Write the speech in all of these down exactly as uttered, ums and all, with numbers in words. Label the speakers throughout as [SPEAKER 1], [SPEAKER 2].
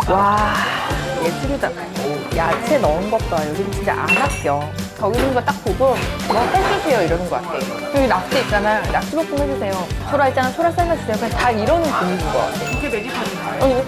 [SPEAKER 1] 와, 예술이다. 야채 넣은 것 봐. 요즘 진짜 안 아껴. 저기 있는 거 딱 보고 뭐 해주세요 이러는 것 같아. 여기 낙지 있잖아. 낙지볶음 해주세요. 소라 있잖아. 소라 삶아주세요. 그냥 다 이러는 분위기인 것 같아.
[SPEAKER 2] 이게 메뉴판인가요?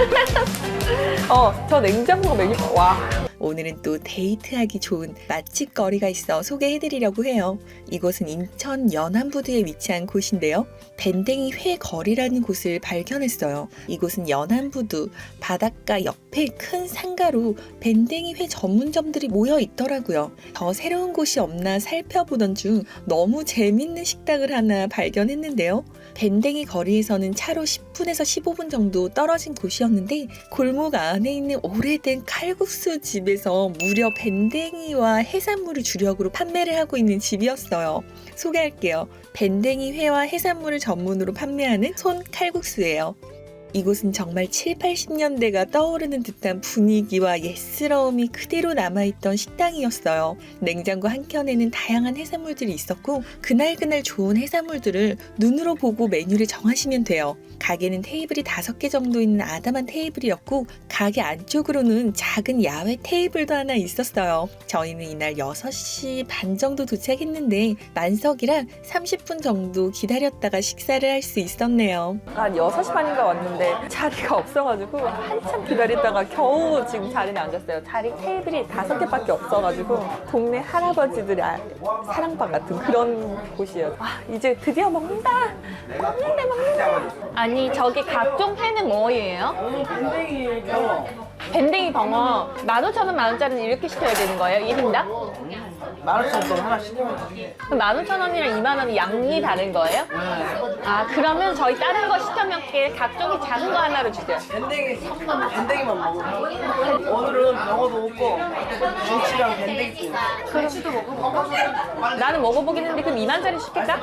[SPEAKER 1] 어, 어, 저 냉장고 메뉴. 와.
[SPEAKER 3] 오늘은 또 데이트하기 좋은 맛집 거리가 있어 소개해드리려고 해요. 이곳은 인천 연안부두에 위치한 곳인데요. 밴댕이 회 거리라는 곳을 발견했어요. 이곳은 연안부두 바닷가 옆에 큰 상가로 밴댕이 회 전문점들이 모여 있더라고요. 더 새로운 곳이 없나 살펴보던 중 너무 재밌는 식당을 하나 발견했는데요. 밴댕이 거리에서는 차로 십 분에서 십오 분 정도 떨어진 곳이었는데 골목 안에 있는 오래된 칼국수 집에서 무려 밴댕이와 해산물을 주력으로 판매를 하고 있는 집이었어요. 소개할게요. 밴댕이 회와 해산물을 전문으로 판매하는 손 칼국수예요. 이곳은 정말 칠, 팔십 년대가 떠오르는 듯한 분위기와 옛스러움이 그대로 남아있던 식당이었어요. 냉장고 한켠에는 다양한 해산물들이 있었고 그날그날 좋은 해산물들을 눈으로 보고 메뉴를 정하시면 돼요. 가게는 테이블이 다섯 개 정도 있는 아담한 테이블이었고 가게 안쪽으로는 작은 야외 테이블도 하나 있었어요. 저희는 이날 여섯 시 반 정도 도착했는데 만석이라 삼십 분 정도 기다렸다가 식사를 할 수 있었네요.
[SPEAKER 1] 한 여섯 시 반인가 왔는데 자리가 없어가지고 한참 기다리다가 겨우 지금 자리에 앉았어요. 자리 테이블이 다섯 개밖에 없어가지고 동네 할아버지들의 아- 사랑방 같은 그런 곳이에요. 아, 이제 드디어 먹는다! 먹는다, 먹는다! 아니, 저기 각종 회는 뭐예요?
[SPEAKER 2] 밴댕이 경어
[SPEAKER 1] 밴댕이 벙어 만 오천 원, 만 원짜리는 이렇게 시켜야 되는 거예요? 일 인당?
[SPEAKER 2] 만 오천 원 하나 시키면
[SPEAKER 1] 그럼 만 오천 원이랑 이만 원이 양이 다른 거예요? 아, 그러면 저희 다른 거 시켜 먹게 각종이 작은 거 하나로 주세요.
[SPEAKER 2] 밴댕이 밴댕이만 먹어. 오늘은 경어도 먹고 김치랑 밴댕이 김치도 먹어.
[SPEAKER 1] 나는 먹어보긴 했는데 그럼 이만 짜리 시킬까?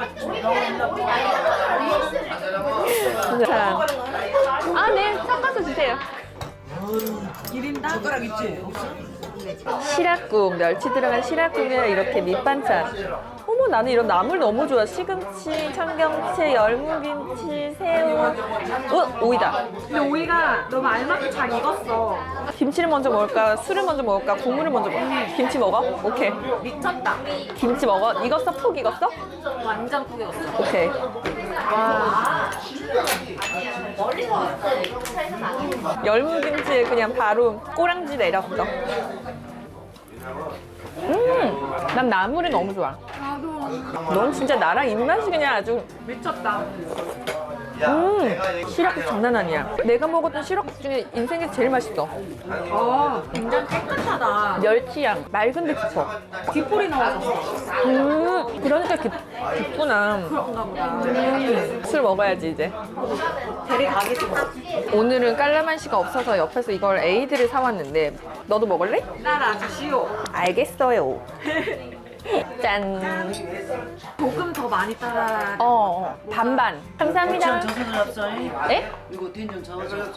[SPEAKER 1] 자, 아, 네, 섞어서 주세요.
[SPEAKER 2] 일 인당 젓가락 있지?
[SPEAKER 1] 시락국, 멸치 들어간 시락국에 이렇게 밑반찬. 어머, 나는 이런 나물 너무 좋아. 시금치, 청경채, 열무김치, 새우. 어, 오이다.
[SPEAKER 4] 근데 오이가 너무 알맞게 잘 익었어.
[SPEAKER 1] 김치를 먼저 먹을까? 술을 먼저 먹을까? 국물을 먼저 먹을까? 김치 먹어? 오케이.
[SPEAKER 4] 미쳤다.
[SPEAKER 1] 김치 먹어? 익었어? 푹 익었어?
[SPEAKER 4] 완전 푹 익었어.
[SPEAKER 1] 오케이. 와. 열무김치에 그냥 바로 꼬랑지 내렸어. 음, 난 나물이 너무 좋아.
[SPEAKER 4] 나도
[SPEAKER 1] 넌 진짜 나랑 입맛이 그냥 아주.
[SPEAKER 4] 미쳤다.
[SPEAKER 1] 음, 시락국 장난 아니야. 내가 먹었던 시락국 중에 인생에서 제일 맛있어.
[SPEAKER 4] 어, 굉장히 깨끗하다.
[SPEAKER 1] 멸치향, 맑은데 깊어.
[SPEAKER 4] 뒷골이 넣어졌어.
[SPEAKER 1] 음, 그러니까 깊, 깊구나.
[SPEAKER 4] 그런가 보다.
[SPEAKER 1] 음, 술 먹어야지 이제.
[SPEAKER 4] 대리 가겠어.
[SPEAKER 1] 오늘은 깔라만시가 없어서 옆에서 이걸 에이드를 사왔는데 너도 먹을래?
[SPEAKER 4] 따라 주시오.
[SPEAKER 1] 알겠어요. 짠.
[SPEAKER 4] 조금 더 많이 따라.
[SPEAKER 1] 어, 반반. 감사합니다.
[SPEAKER 2] 저서 잡자.
[SPEAKER 1] 네?
[SPEAKER 2] 이거 된장 저어서 잡자.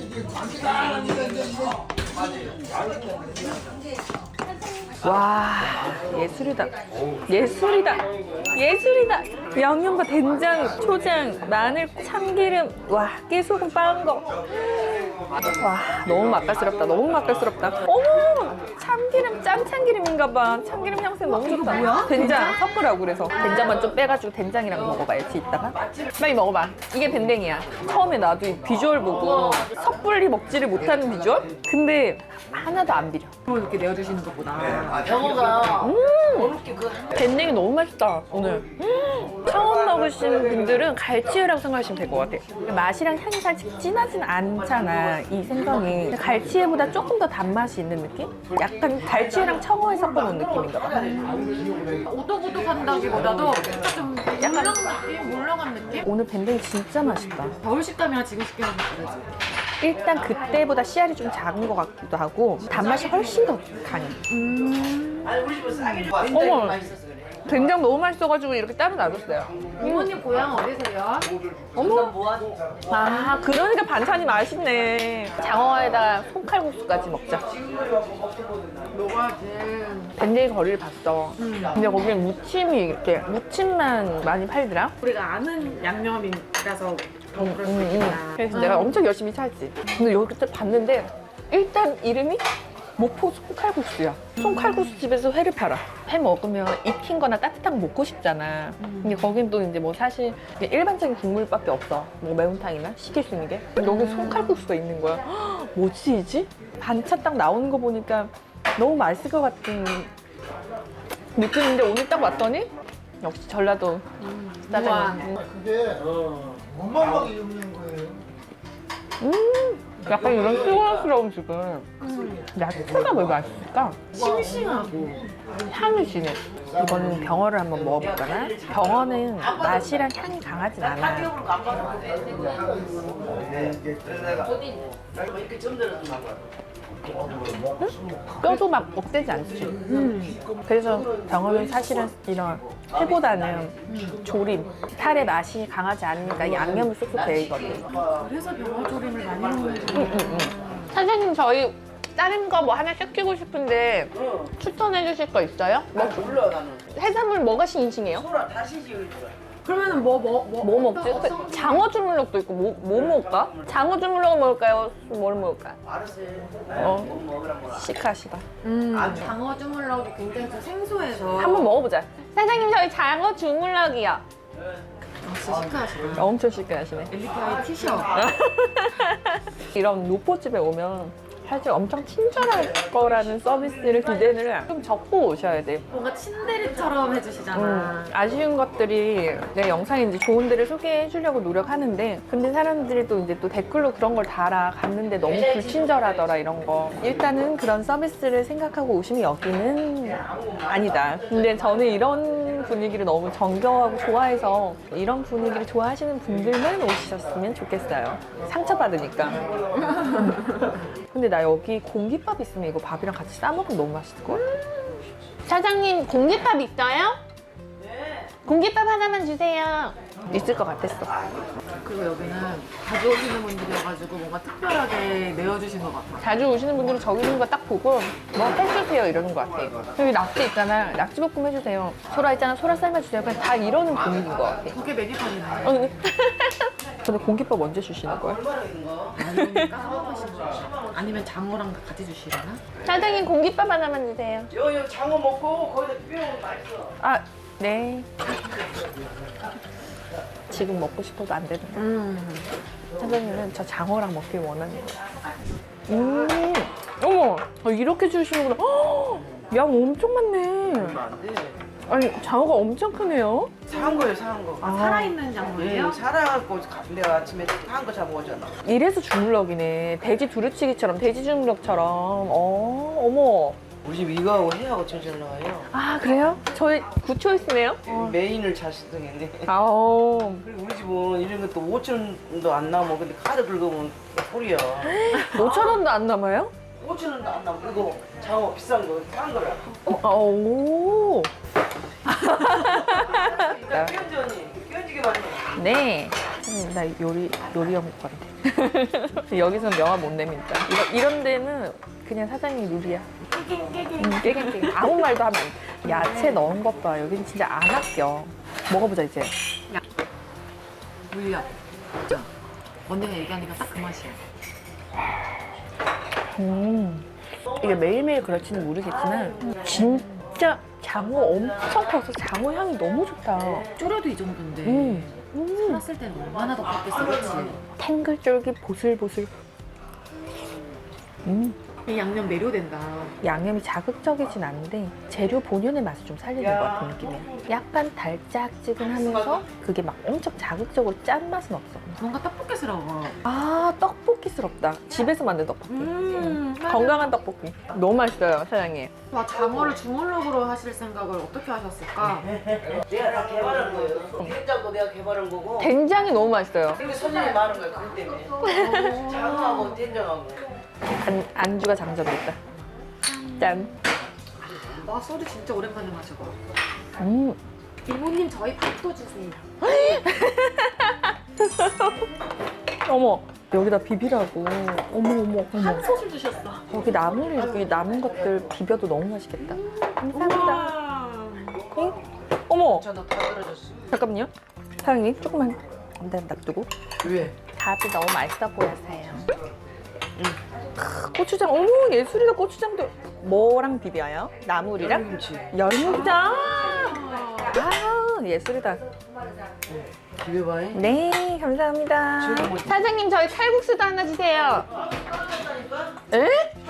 [SPEAKER 1] 와, 예술이다. 예술이다. 예술이다. 양념과 된장, 초장, 마늘, 참기름, 와, 깨소금 빻은 거. 와, 너무 맛깔스럽다. 너무 맛깔스럽다. 어머, 참기름, 짠 참기름인가 봐. 참기름 향새 너무 좋다.
[SPEAKER 4] 뭐야?
[SPEAKER 1] 된장 섞으라고 그래서. 된장만 좀 빼가지고 된장이랑 먹어봐야지, 이따가. 빨리 먹어봐. 이게 밴댕이야. 처음에 나도 이 비주얼 보고 섣불리 먹지를 못하는 비주얼? 근데 하나도 안 비려.
[SPEAKER 4] 이렇게 내어주시는 것보다.
[SPEAKER 2] 경어가
[SPEAKER 1] 음,
[SPEAKER 2] 어렵게 그
[SPEAKER 1] 밴댕이 너무 맛있다 오늘. 음, 처음 먹으신 분들은 갈치회라고 생각하시면 될 것 같아요. 맛이랑 향이 살짝 진하진 않잖아, 이 생선이. 갈치회보다 조금 더 단맛이 있는 느낌? 약간 갈치회랑 청어에 섞어놓은 느낌인가 봐.
[SPEAKER 4] 오독오독한다기보다도 좀
[SPEAKER 1] 약간
[SPEAKER 4] 물렁한 느낌? 물렁한 느낌?
[SPEAKER 1] 오늘 밴댕이 진짜 맛있다.
[SPEAKER 4] 겨울 식감이랑 지금 식감이랑 다르지.
[SPEAKER 1] 일단 그때보다 씨알이 좀 작은 것 같기도 하고 단맛이 훨씬 더 강해.
[SPEAKER 2] 아니 우리 집은 싸게 줘.
[SPEAKER 1] 어머.
[SPEAKER 2] 밴댕이 맛있어서 그래.
[SPEAKER 1] 된장 너무 맛있어가지고 이렇게 따로 놔뒀어요.
[SPEAKER 4] 이모님 고향 어디세요?
[SPEAKER 2] 어머 뭐하지?
[SPEAKER 1] 아, 그러니까 반찬이 맛있네. 장어에다가 손칼국수까지 먹자.
[SPEAKER 4] 먹어야지.
[SPEAKER 1] 밴댕이 거리를 봤어. 근데 거기는 무침이 이렇게 무침만 많이 팔더라.
[SPEAKER 4] 우리가 아는 양념이라서 더 그럴 수
[SPEAKER 1] 음, 음.
[SPEAKER 4] 있겠다.
[SPEAKER 1] 그래서 내가 엄청 열심히 살지. 근데 여기 때 봤는데 일단 이름이 목포 송칼국수야. 송칼국수 집에서 회를 팔아. 회 먹으면 익힌 거나 따뜻한 거 먹고 싶잖아. 근데 거긴 또 이제 뭐 사실 일반적인 국물밖에 없어. 뭐 매운탕이나 시킬 수 있는 게. 근데 여기 송칼국수가 있는 거야. 헉, 뭐지 이지? 반찬 딱 나오는 거 보니까 너무 맛있을 것 같은 느낌인데 오늘 딱 왔더니 역시 전라도 짜장면.
[SPEAKER 5] 그게 원망막이 없는 거예요.
[SPEAKER 1] 약간 이런 수고스러운 지금 야채가 왜 맛있을까?
[SPEAKER 4] 싱싱하고.
[SPEAKER 1] 향이 진해. 이거는 병어를 한번 먹어볼까나? 병어는 맛이랑 향이 강하진 않아.
[SPEAKER 2] 이렇게 점들어서
[SPEAKER 1] 뼈도 막 억세지 않지. 그래서 병어는 사실은 이런 회보다는 조림, 살의 맛이 강하지 않으니까 양념을 쏙쏙 배이거든.
[SPEAKER 4] 그래서 병어조림을 많이 먹는 거.
[SPEAKER 1] 선생님 저희 다른 거 뭐 하나 시키고 싶은데 추천해 주실 거 있어요?
[SPEAKER 2] 뭐 불러 나는
[SPEAKER 1] 해산물 뭐가 신싱해요?
[SPEAKER 2] 소라 다시 지을 거야.
[SPEAKER 4] 그러면은 뭐, 뭐, 뭐.
[SPEAKER 1] 뭐 먹지? 그 장어 주물럭도 있고 뭐, 뭐 먹을까? 장어 주물럭 먹을까요? 뭘 먹을까?
[SPEAKER 2] 알았어.
[SPEAKER 1] 어.
[SPEAKER 2] 뭐 먹으라 뭐라.
[SPEAKER 1] 시크하시다.
[SPEAKER 4] 음,
[SPEAKER 2] 안
[SPEAKER 4] 장어 주물럭이 굉장히 좀 생소해서.
[SPEAKER 1] 한번 먹어보자. 사장님 저희 장어 주물럭이요.
[SPEAKER 4] 아, 진짜 시크하시다.
[SPEAKER 1] 엄청 시크하시네.
[SPEAKER 4] 엘리트와의 티셔츠.
[SPEAKER 1] 이런 노포집에 오면 사실 엄청 친절할 거라는 서비스를 기대를 좀 적고 오셔야 돼.
[SPEAKER 4] 뭔가 친데레처럼 해주시잖아.
[SPEAKER 1] 음, 아쉬운 것들이 내 영상에 이제 좋은 데를 소개해 주려고 노력하는데 근데 사람들이 또 이제 또 댓글로 그런 걸 달아 갔는데 너무 불친절하더라 이런 거. 일단은 그런 서비스를 생각하고 오시면 여기는 아니다. 근데 저는 이런 분위기를 너무 정겨워하고 좋아해서 이런 분위기를 좋아하시는 분들만 오셨으면 좋겠어요. 상처받으니까. 근데 나 여기 공깃밥 있으면 이거 밥이랑 같이 싸먹으면 너무 맛있을 것 같아. 사장님 공깃밥 있어요?
[SPEAKER 2] 네.
[SPEAKER 1] 공깃밥 하나만 주세요. 있을 것 같았어.
[SPEAKER 4] 그리고 여기는 자주 오시는 분들이어가지고 뭔가 특별하게 내어주신 것 같아.
[SPEAKER 1] 자주 오시는 분들은 저기 있는 거 딱 보고 뭐 해주세요 이러는 것 같아. 여기 낙지 있잖아. 낙지볶음 해주세요. 소라 있잖아. 소라 삶아주세요. 그냥 다 이러는 분위기인 것 같아.
[SPEAKER 4] 그게 메뉴판이네.
[SPEAKER 1] 어, 근데 근데 공깃밥 언제 주시는 거야?
[SPEAKER 2] 얼마나 있는 거?
[SPEAKER 4] 아니면 까먹으시는 거 아니면 장어랑 같이 주시려나?
[SPEAKER 1] 사장님 공깃밥 하나만 주세요.
[SPEAKER 2] 여여 장어 먹고 거기다 비벼먹으면 맛있어.
[SPEAKER 1] 아, 네. 지금 먹고 싶어도 안 되는 거야.
[SPEAKER 4] 음.
[SPEAKER 1] 사장님은 저 장어랑 먹길 원하는 거야. 음, 어머, 어, 이렇게 주시는구나. 헉, 양 엄청 많네.
[SPEAKER 2] 안 돼.
[SPEAKER 1] 아니, 장어가 엄청 크네요.
[SPEAKER 2] 사한 거예요, 사한 거.
[SPEAKER 1] 아,
[SPEAKER 4] 살아있는 장어예요?
[SPEAKER 2] 예, 살아갖고 가- 내가 아침에 사한 거 잡아오잖아.
[SPEAKER 1] 이래서 주물럭이네. 돼지 두루치기처럼, 돼지 주물럭처럼. 어, 어머.
[SPEAKER 2] 우리 집 이거하고 해하고 제일 잘 나와요.
[SPEAKER 1] 아, 그래요? 저희 굿초이스네요?
[SPEAKER 2] 메인을 잘 쓰겠네.
[SPEAKER 1] 아오.
[SPEAKER 2] 그리고 우리 집은 이런 것도 오천 원도 안 남아. 근데 카드 긁으면 꿀이야.
[SPEAKER 1] 오천 원도 안 남아요?
[SPEAKER 2] 오천 원도 안 남아. 이거 장어 비싼 거, 싼 거라.
[SPEAKER 1] 어, 아, 오.
[SPEAKER 2] 나 끼얹지 언니. 끼얹지게 많이.
[SPEAKER 1] 네. 음, 나 요리, 요리 연구 같아. 여기서는 명함 못 내민다. 이런, 이런 데는 그냥 사장님 룰이야. 음, 깨갱깨갱. 아무 말도 하면 안 돼. 야채 넣은 것 봐. 여기는 진짜 안 아껴. 먹어보자, 이제.
[SPEAKER 4] 물려. 진짜. 언니가 얘기하니까 딱 그 맛이야.
[SPEAKER 1] 음. 이게 매일매일 그럴지는 모르겠지만, 진짜 장어 엄청 커서 장어 향이 너무 좋다.
[SPEAKER 4] 쫄여도 이 정도인데.
[SPEAKER 1] 음. 음.
[SPEAKER 4] 살았을 때는 얼마나 더 컸겠어, 그렇지?
[SPEAKER 1] 탱글쫄깃 보슬보슬. 음.
[SPEAKER 4] 이 양념 매료된다.
[SPEAKER 1] 양념이 자극적이진 않은데 재료 본연의 맛을 좀 살리는 것 같은 느낌이야. 약간 달짝지근하면서 그게 막 엄청 자극적으로 짠 맛은 없어.
[SPEAKER 4] 뭔가 떡볶이스러워.
[SPEAKER 1] 아, 떡볶이스럽다. 집에서 만든 떡볶이.
[SPEAKER 4] 음,
[SPEAKER 1] 건강한 떡볶이. 너무 맛있어요, 사장님.
[SPEAKER 4] 와, 장어를 주물럭으로 하실 생각을 어떻게 하셨을까?
[SPEAKER 2] 내가 다 개발한 거예요. 된장도 내가 개발한 거고.
[SPEAKER 1] 된장이 너무 맛있어요.
[SPEAKER 2] 그리고 손님이 많은 거야, 그것 때문에. 장어하고 된장하고.
[SPEAKER 1] 안, 안주가 장점이다. 짠.
[SPEAKER 4] 와, 소리 진짜 오랜만에 마셔봐.
[SPEAKER 1] 음.
[SPEAKER 4] 이모님, 저희 밥도 주세요.
[SPEAKER 1] 어머, 여기다 비비라고. 어머, 어머, 어머.
[SPEAKER 4] 한 소실 주셨어.
[SPEAKER 1] 여기 나물, 여기 남은 것들 비벼도 너무 맛있겠다. 감사합니다. 응? 어머,
[SPEAKER 2] 저도 다 떨어졌어.
[SPEAKER 1] 잠깐만요. 사장님, 조금만. 일단 놔두고.
[SPEAKER 2] 왜?
[SPEAKER 1] 밥이 너무 맛있어 보여서요. 크, 고추장, 어머 예술이다. 고추장도 뭐랑 비벼요? 나물이랑?
[SPEAKER 2] 김치.
[SPEAKER 1] 열무장. 아 예술이다.
[SPEAKER 2] 비벼봐요.
[SPEAKER 1] 네 감사합니다.
[SPEAKER 2] 지금 뭐-
[SPEAKER 1] 사장님 저희 칼국수도 하나 주세요. 에?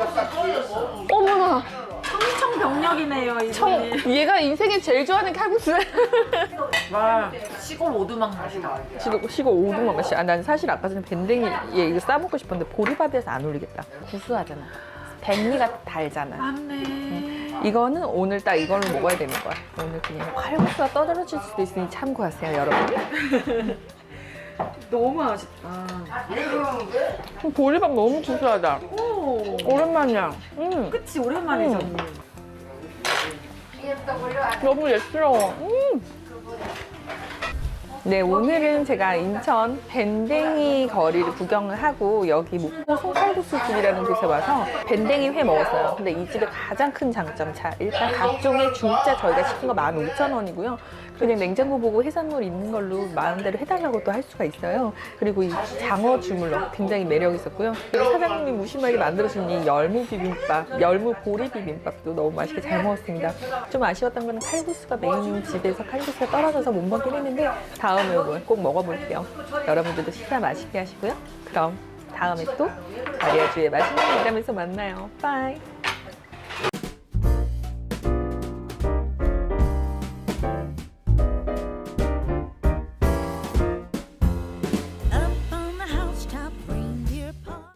[SPEAKER 1] 어머나.
[SPEAKER 4] 청병력이네요,
[SPEAKER 1] 청, 얘가 인생에 제일 좋아하는 칼국수.
[SPEAKER 4] 와, 시골 오두막 맛이다.
[SPEAKER 1] 시고, 시고 오두막 맛이. 아, 난 사실 아까 전에 밴댕이 얘 이거 싸먹고 싶었는데 보리밥에서 안 어울리겠다. 구수하잖아. 백미가 달잖아.
[SPEAKER 4] 맞네.
[SPEAKER 1] 이거는 오늘 딱 이걸로 먹어야 되는 거야. 오늘 그냥 칼국수가 떠들어질 수도 있으니 참고하세요, 여러분.
[SPEAKER 4] 너무 맛있다.
[SPEAKER 1] 보리밥 너무 구수하다.
[SPEAKER 4] 오,
[SPEAKER 1] 오랜만이야. 음,
[SPEAKER 4] 그치, 오랜만이죠.
[SPEAKER 1] 음. 너무 예스러워. 음. 네, 오늘은 제가 인천 밴댕이 거리를 구경을 하고 여기 목포 송칼국수 집이라는 곳에 와서 밴댕이 회 먹었어요. 근데 이 집의 가장 큰 장점, 자 일단 각종의 중짜 저희가 시킨 거 만 오천 원이고요. 그냥 냉장고 보고 해산물 있는 걸로 마음대로 해달라고 또 할 수가 있어요. 그리고 이 장어 주물럭 굉장히 매력 있었고요. 그리고 사장님이 무심하게 만들어준 이 열무 비빔밥, 열무 보리 비빔밥도 너무 맛있게 잘 먹었습니다. 좀 아쉬웠던 거는 칼국수가 메인 집에서 칼국수가 떨어져서 못 먹긴 했는데 다음에 꼭 먹어볼게요. 여러분들도 식사 맛있게 하시고요. 그럼 다음에 또 마리아주의 맛있는 일하면서 만나요. 빠이.